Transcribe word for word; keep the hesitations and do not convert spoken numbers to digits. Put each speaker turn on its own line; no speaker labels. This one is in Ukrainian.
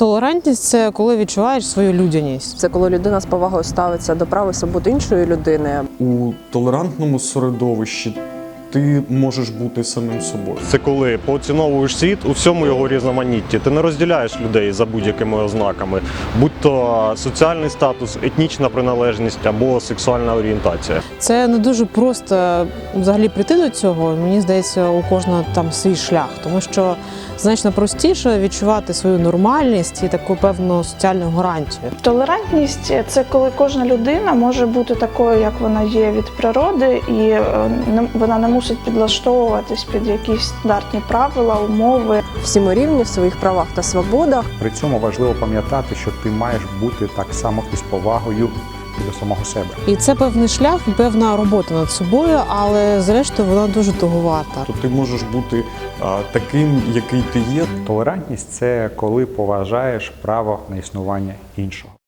Толерантність – це коли відчуваєш свою людяність.
Це коли людина з повагою ставиться до прав і свобод іншої людини.
У толерантному середовищі ти можеш бути самим собою.
Це коли поціновуєш світ у всьому його різноманітті. Ти не розділяєш людей за будь-якими ознаками, будь-то соціальний статус, етнічна приналежність або сексуальна орієнтація.
Це не дуже просто взагалі прийти до цього. Мені здається, у кожного там свій шлях, тому що значно простіше відчувати свою нормальність і таку певну соціальну гарантію.
Толерантність – це коли кожна людина може бути такою, як вона є від природи, і вона не мусить підлаштовуватись під якісь стандартні правила, умови.
Всі ми рівні в своїх правах та свободах.
При цьому важливо пам'ятати, що ти маєш бути так само із повагою і до самого себе.
І це певний шлях, певна робота над собою, але зрештою вона дуже туговата.
То ти можеш бути а, таким, який ти є.
Толерантність – це коли поважаєш право на існування іншого.